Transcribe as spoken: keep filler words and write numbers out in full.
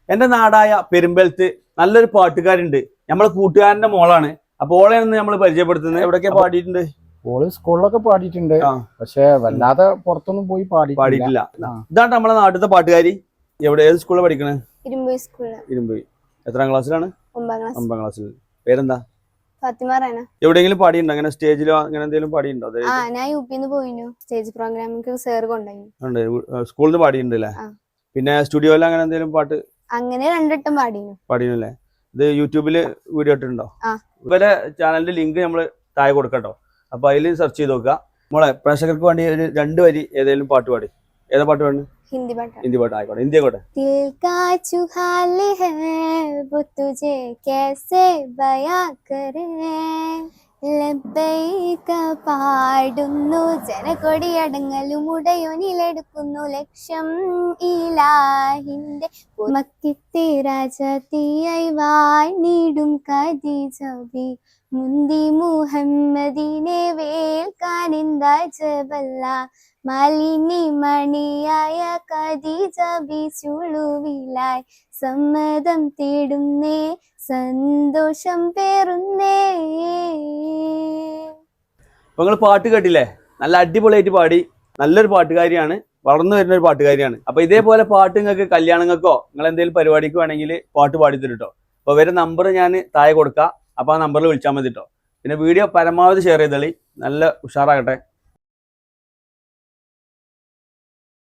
എന്റെ നാടായ പെരുമ്പലത്ത് നല്ലൊരു പാട്ടുകാരുണ്ട്. നമ്മളെ കൂട്ടുകാരന്റെ മോളാണ്. അപ്പൊ ഓളെയാണ് നമ്മൾ പരിചയപ്പെടുത്തുന്നത്. എവിടെയൊക്കെ പാടിയിട്ടുണ്ട്? ഓള് സ്കൂളിലൊക്കെ പാടിയിട്ടുണ്ട്, പക്ഷെ വല്ലാതെ പുറത്തൊന്നും പോയി പാടി പാടിയിട്ടില്ല. ഇതാണ് നമ്മളെ നാട്ടിലത്തെ പാട്ടുകാരി. എവിടെ ഏത് സ്കൂളിൽ പഠിക്കണേ? ഇരുമ്പുഴ സ്കൂളിൽ. ഇരുമ്പുഴ. എത്രാം ക്ലാസ്സിലാണ്? ഒമ്പതാം ക്ലാസ്സിൽ. പേരെന്താ? ഫാത്തിമ റഹന. എവിടെയെങ്കിലും പാടിയിട്ടുണ്ടോ? അങ്ങനെ സ്റ്റേജിലോ അങ്ങനെ എന്തെങ്കിലും പാടിയിട്ടുണ്ടോ? ആ, ഞാൻ യു പിന്ന് പോയിനു. സ്റ്റേജ് പ്രോഗ്രാമിന് സാർ കൊണ്ടുപോയി. സ്കൂളിൽ നിന്ന് പാടിയിട്ടുണ്ടല്ലേ? പിന്നെ സ്റ്റുഡിയോയിൽ അങ്ങനെ എന്തെങ്കിലും പാട്ട്? അങ്ങനെ രണ്ടിട്ടും പാടിനു. പാടിനല്ലേ? ഇത് യൂട്യൂബില് വീഡിയോ ഇട്ടുണ്ടോ? ഇവരെ ചാനലിന്റെ ലിങ്ക് നമ്മള് താഴെ കൊടുക്കട്ടോ. അപ്പൊ അതിൽ സെർച്ച് ചെയ്ത് നോക്കുക. നമ്മളെ പ്രേക്ഷകർക്ക് വേണ്ടി ഒരു രണ്ട് വരി ഏതെങ്കിലും പാട്ട് പാടി. ഏതാ പാട്ട് പാടുന്നത്? ഹിന്ദി പാട്ട്. ഹിന്ദി പാട്ട് ആയിക്കോട്ടെ. ഹിന്ദി ആയിക്കോട്ടെ. ദിൽ കാ ചുഹാൽ ഹൈ വോ തുജെ കൈസെ ബയാ കരേ ലബ്ബൈക പാടുന്നു ജനകൊടിയടങ്ങലും ഉടയോനിലെടുക്കുന്നു ലക്ഷം ഇലാഹിന്റെ മക്കിത്തെ രാജാത്തിയായി വാഴ്ന്നിടും ഖദീജബി മുന്തി മുഹമ്മദിനെ വേൽക്കാനെന്താ ജബല്ല മാലിനി മണിയായ ഖദീജബി ചുളുവിലായി സമ്മതം തേടുന്നേ സന്തോഷം പേറുന്നേ. അപ്പൊ നിങ്ങൾ പാട്ട് കേട്ടില്ലേ? നല്ല അടിപൊളിയായിട്ട് പാടി. നല്ലൊരു പാട്ടുകാരിയാണ്, വളർന്നു വരുന്ന ഒരു പാട്ടുകാരിയാണ്. അപ്പൊ ഇതേപോലെ പാട്ട് നിങ്ങൾക്ക് കല്യാണങ്ങൾക്കോ നിങ്ങൾ എന്തെങ്കിലും പരിപാടിക്ക് വേണമെങ്കിൽ പാട്ട് പാടി തരും കേട്ടോ. അപ്പൊ ഇവരെ നമ്പർ ഞാൻ താഴെ കൊടുക്കാം. അപ്പൊ ആ നമ്പറിൽ വിളിച്ചാൽ മതി കേട്ടോ. പിന്നെ വീഡിയോ പരമാവധി ഷെയർ ചെയ്തോളി. നല്ല ഉഷാറാകട്ടെ.